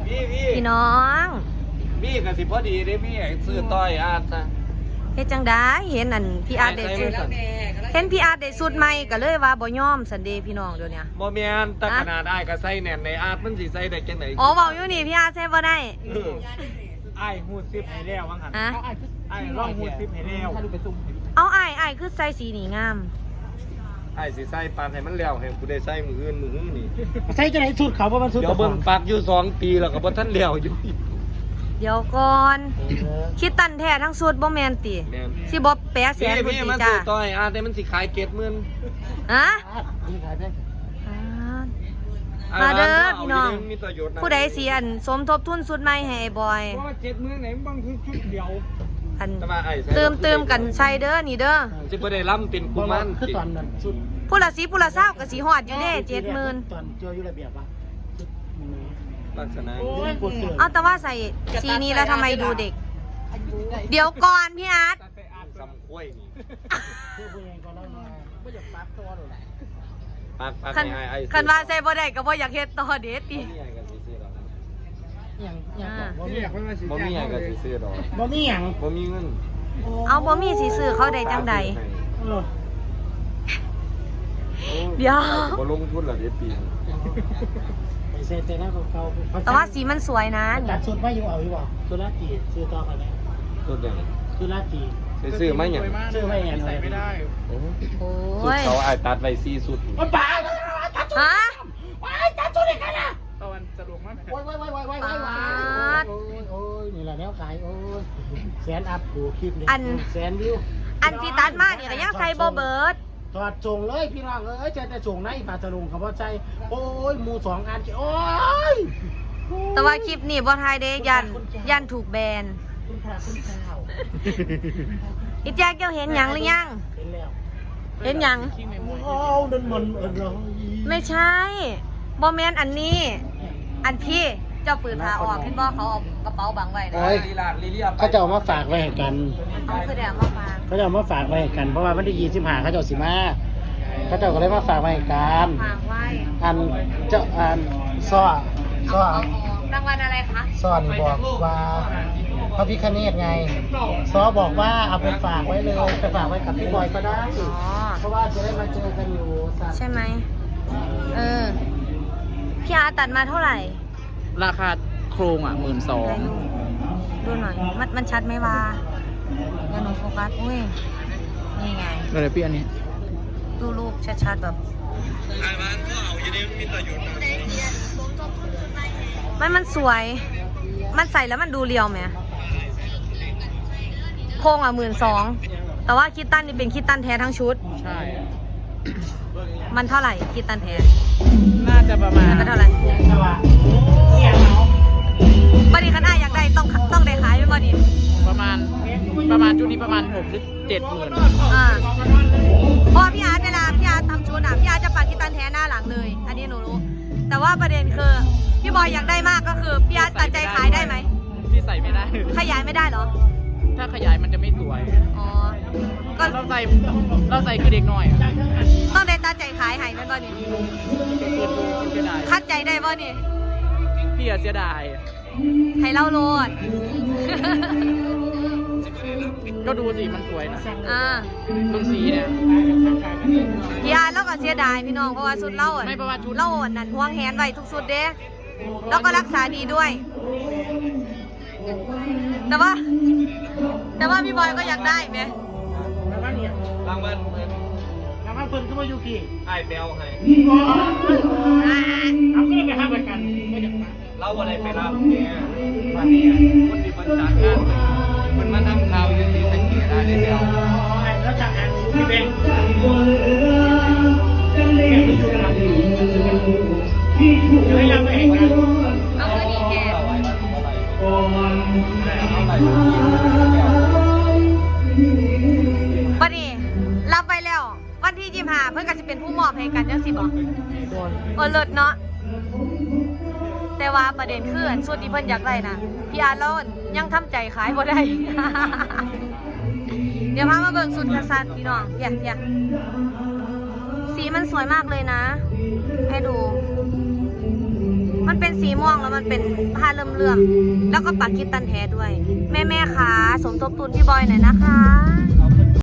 พี่น้องพี่กับสิพอดีได้พี่ซื้อต้อยอาร์ตซะเฮ็ดจังได้เห็นอันพี่อาร์ตได้สุดเห็นพี่อาร์ตได้สุดใหม่ก็เลยว่าบ่ยอมสันเดย์พี่น้องเดี๋ยวนี้บ่แม่นแต่ขนาดอ้ายก็ใส่แน่นในอาร์ตมันสิใส่ได้จังได๋อ๋อเว้าอยู่นี่พี่อาร์ตใส่บ่ได้ไอ้หูซิปให้แล้ววังหันฮะไอ้ร่องหูซิปให้แล้วเอาอ้ายคือใส่สีนี่งามอ้ายสิใส่ปานให้มันแล้วให้กูได้ใส่มื้ออื่นมื้อนี้ใส่จะไหนสุดเขาเพราะมันสุดเดี๋ยวเบิ่งปักอยู่2ปีแล้วก็บ่ทันแล้วอยู่เดี๋ยวก่อนคิดตันแท้ทั้งสุดบ่แม่นติแม่นสิบ่แปะแสนพุ่นพี่ติมันจ้าซื้อต้อยอาร์ตแต่มันสิขาย70,000 ฮะนี่ขายได้มาเด้อพี่น้องมีประโยชน์นะผู้ใดสิอันสมทบทุนสุดใหม่ให้ไอ้บอยเพราะว่า70,000ไหนบางทีชุดเดียวอันแต่ว่าอ้ายใส่เติมกันใส่เด้อนี่เด้อสิบ่ได้ล้ำเป็นกุมารคือตอนนั้นสุดผู้ละ10ผู้ละ20ก็สิฮอดอยู่เด้70,000 ตอนเจออยู่ระเบียบปะลักษณะเอาแต่ว่าใส่สีนี้แล้วทำไมดูเด็ก เดี๋ยวก่อนพี่อาร์ตสำคุ้ยนี่คือผู้ใหญ่ก็เล่ามาไม่อยากปั๊บตัวหรอกปักคันให้อ้ายคันว่าใส่บ่ได้ก็บ่อยากเฮ็ดต่อเด็ดติบ่มีอ้ายก็สิซื้อดอกอย่างบ่มีอยากไปมาสิบ่มีอ้ายก็สิซื้อดอกบ่มีอย่างบ่มีเงินเอาบ่มีสิซื้อเขาได้จังใดเออเดี๋ยวบ่ลงทุนละเดี๋ยวปีไปเซ็นแต่หน้าเก่าๆแต่ว่าสีมันสวยนะตันี่ดสุดไม่อยู่เอาอยู่บ่สุราตีซื้อต่อไปไหมสุดเลยสุราตีไปซื้อมาหยังซื้อไม่แอนใส่ไม่ได้โอ้โอ้สุดยเขาอ้ายตัดไว้4สุดมันป่าตัดสุดฮะตัดสุดเลยกันนะตะวันสะดวกมากโอ้ยนี่แหละแนวขายโอ้ยแสนอัพดูคลิปนี้แสนวิวอันที่ตัดมานี่ก็ยังใส่บ่เบิดถอดส่งเลยพี่น้องเอ้ยจะส่งไหนปาจะลงคำว่าใจโอ้ยมู2 อันโอ้ยแต่ว่าคลิปนี้บ่ทายเด้ยันถูกแบนคุณพระคุณเจ้าอีแจ๊กเจ้าเห็นหยังหรือยังเห็นแล้วเห็นหยังโอ้นั่นมันไม่ใช่บ่แม่นอันนี้ อันพี่เจ้าปืนพาออกเห็นบ่เขาเอากระเป๋าบังไว้นะลีลาดลีเลียเขาจะเอามาฝากไว้ให้กันเอาคือเดี๋ยวมาฟังเขาจะเอามาฝากไว้ให้กัน เพราะว่าวันที่25เขาจะสิมาเขาจะก็เลยมาฝากไว้ให้กันฝากไว้อันเจ้าอันซ้อเอารางวัลอะไรคะซ้อนี่บอกว่าพระพิฆเนศไงซ้อบอกว่าเอาไปฝากไว้เลยไปฝากไว้กับพี่บอยก็ได้อ๋อเพราะว่าจะได้มาเจอกันอยู่สัตว์ใช่ไหมพี่อาตัดมาเท่าไหร่ราคาโครงอ่ะ12,000 ดูหน่อย มันชัดไหมวะอย่าหนูโฟกัสอุ้ย นี่ไงอะไรพี่อันนี้ดูรูปชัดๆแบบมันสวย มันใส่แล้วมันดูเรียวไหมโครงอ่ะ12,000แต่ว่าคิตตันนี่เป็นคิตตันแท้ทั้งชุดใช่มันเท่าไหร่คิตตันแท้น่าจะประมาณมันเท่าไหร่แต่ว่าเนี่ยเนาะบัดนี้คันอ้ายอยากได้ต้องได้ขายไหมบัดนี้ประมาณชุดนี้ประมาณ6 หรือ 70,000 เพราะพี่อาร์ตเวลาพี่อาร์ตทำชุดอ่ะพี่อาร์ตจะปัดคิตตันแท้หน้าหลังเลย อันนี้หนูรู้ แต่ว่าประเด็นคือพี่บอยอยากได้มากก็คือพี่อาร์ตตัดใจขายได้ไหมที่ใส่ไม่ได้ขยายไม่ได้เหรอถ้าขยายมันจะไม่สวยอ๋อ ก็เราใส่คือเด็กหน่อยอ่ะต้องได้ตัดใจขายให้แม่นบ่นี่เกิดดูเสียดายคัดใจได้บ่นี่พี่อะเสียดายให้เล่าโลดก็ดูสิมันสวยนะอ่าตรงสีเนี่ยพี่อาร์ตเราก็เสียดายพี่น้องเพราะว่าชุดเล่าอ่ะไม่เพราะว่าชุดเล่าอ่ะนั่นห่วงแหนไว้ทุกชุดเด้แล้วก็รักษาดีด้วย แต่ว่าพี่บอยก็อยากได้ไหมแล้วว่าเนี่ยรางวัลแล้วว่าเพิ่นก็มาอยู่พี่อ้ายแปลวให้เอาเงินไปหาประกันไม่อยากมาเราอะไรไปรับเนี่ยวันนี้คนที่มันจัดงานมันมาทำข่าวอยู่ที่สังเกตได้เลยแล้วแล้วจากงานพี่เบงอยู่ให้เราไปเห็นกันเอาคือดีแกบัดนี้รับไปแล้ว วันที่25เพื่อนก็จะเป็นผู้มอบให้กันจังสิบ่เลิศเนาะแต่ว่าประเด็นคือส่วนที่เพิ่นอยากได้นะพี่อาร์ตแล้วยังทำใจขายบ่ได้ เดี๋ยวพามาเบิ่งสุดกษัตริย์พี่น้องเพียสีมันสวยมากเลยนะ ให้ดู มันมันเป็นสีม่วงแล้วมันเป็นผ้าเลื่อมๆแล้วก็ปักคิดตันแท้ด้วย แม่ๆค่ะสมทบทุนพี่บอยหน่อยนะคะ